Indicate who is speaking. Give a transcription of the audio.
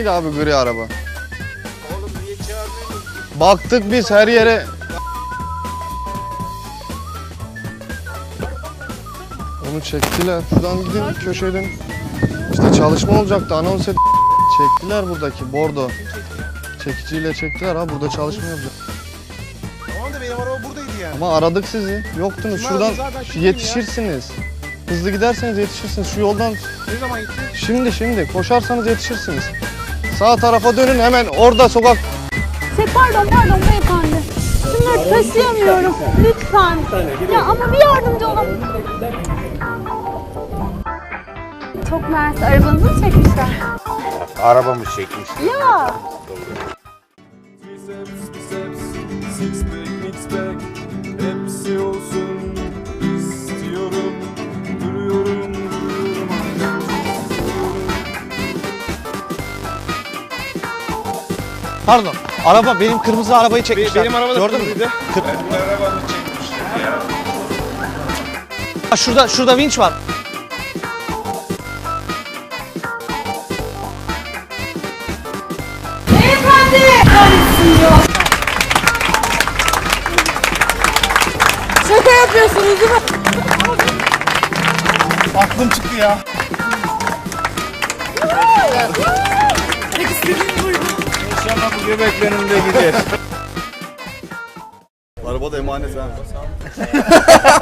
Speaker 1: değil abi gri araba.
Speaker 2: Oğlum niye çağırmıyorsun?
Speaker 1: Baktık biz her yere. Onu çektiler. Şuradan gidin köşeden. İşte çalışma olacaktı anons et. Çektiler buradaki bordo. Çekiciyle çektiler ha burada çalışma yapacak.
Speaker 2: Tamam da benim araba buradaydı yani.
Speaker 1: Ama aradık sizi. Yoktunuz.
Speaker 2: Kim
Speaker 1: Şuradan
Speaker 2: aradı zaten, kim
Speaker 1: yetişirsiniz. Hızlı giderseniz yetişirsiniz. Şu yoldan
Speaker 2: Ne zaman gitti?
Speaker 1: şimdi koşarsanız yetişirsiniz. Sağ tarafa dönün hemen orada sokak.
Speaker 3: Pardon beyefendi. Şunları taşıyamıyorum. Lütfen. Ya ama bir yardımcı olun. Çok mersi. Arabanızı mı çekmişler?
Speaker 2: Arabamı çekmiş.
Speaker 3: Ya.
Speaker 4: Six pack, mix pack, hepsi olsun istiyorum. Duruyorum.
Speaker 5: Pardon. Araba benim kırmızı arabayı çekmişler.
Speaker 2: Benim araba da
Speaker 5: gördün mü?
Speaker 2: kırmızıydı.
Speaker 4: Arabamı çekmişler ya.
Speaker 5: Ha, şurada vinç var.
Speaker 3: Şaka yapıyorsunuz değil mi?
Speaker 2: Aklım çıktı ya.
Speaker 4: İnşallah bu göbek benim de gider.
Speaker 1: Arabada emanet ha.